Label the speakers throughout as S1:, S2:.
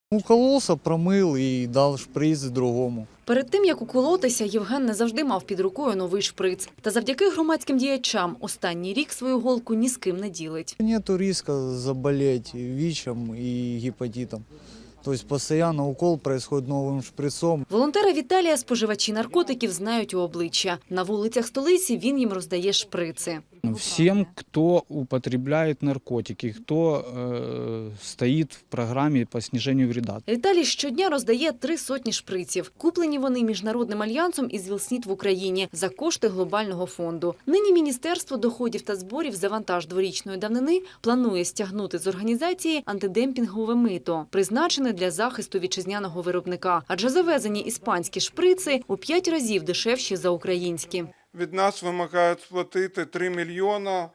S1: Укололся, промив і дав шприц другому.
S2: Перед тим, як уколотися, Євген не завжди мав під рукою новий шприц. Та завдяки громадським діячам останній рік свою голку ні з ким не ділить.
S1: Нету риска заболеть ВІЧем і гепатитом. Тобто постійно укол происходит новим шприцом.
S2: Волонтера Віталія споживачі наркотиків знають у обличчя. На вулицях столиці він їм роздає шприци.
S3: Всем, кто употребляет наркотики, кто стоит в программе по снижению вреда.
S2: Віталій щодня роздає 300 шприців. Куплені вони Міжнародним альянсом із ВІЛ-СНІД в Україні за кошти глобального фонду. Нині Міністерство доходів та зборів за вантаж дворічної давнини планує стягнути з організації антидемпінгове мито, призначене для захисту вітчизняного виробника. Адже завезені іспанські шприци у 5 разів дешевші за українські.
S4: Від нас вимагають сплатити 3 мільйона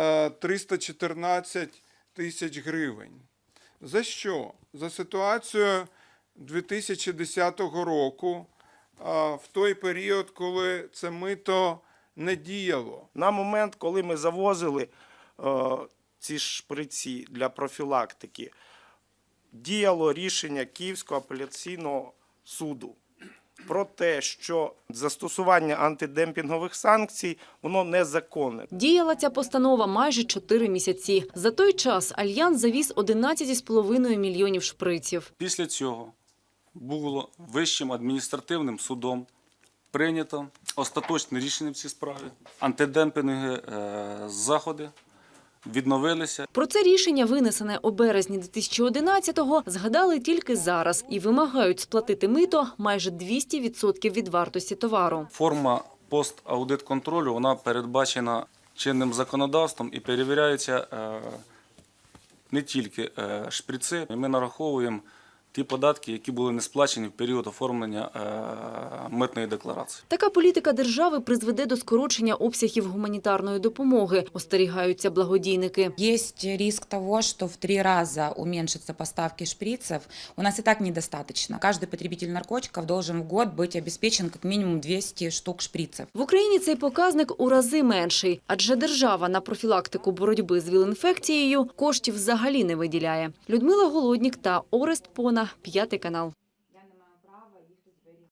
S4: 314 тисяч гривень. За що? За ситуацію 2010 року, в той період, коли це мито не діяло.
S5: На момент, коли ми завозили ці шприці для профілактики, діяло рішення Київського апеляційного суду про те, що застосування антидемпінгових санкцій, воно незаконне.
S2: Діяла ця постанова майже 4 місяці. За той час Альянс завіз 11,5 мільйонів шприців.
S6: Після цього було Вищим адміністративним судом прийнято остаточне рішення в цій справі. Антидемпінгові заходи відновилися.
S2: Про це рішення, винесене у березні 2011-го, згадали тільки зараз і вимагають сплатити мито майже 200% від вартості товару.
S6: Форма пост-аудит-контролю, вона передбачена чинним законодавством і перевіряються не тільки шприци. Ми нараховуємо ті податки, які були не сплачені в період оформлення митної декларації.
S2: Така політика держави призведе до скорочення обсягів гуманітарної допомоги, остерігаються благодійники.
S7: Есть риск того, что в 3 раза уменьшатся поставки шприцев. У нас и так недостаточно. Каждый потребитель наркотиков должен в год быть обеспечен как минимум 200 штук шприцев.
S2: В Україні цей показник у рази менший, адже держава на профілактику боротьби з ВІЛ-інфекцією коштів взагалі не виділяє. Людмила Голоднік та Орест Пона, 5 канал.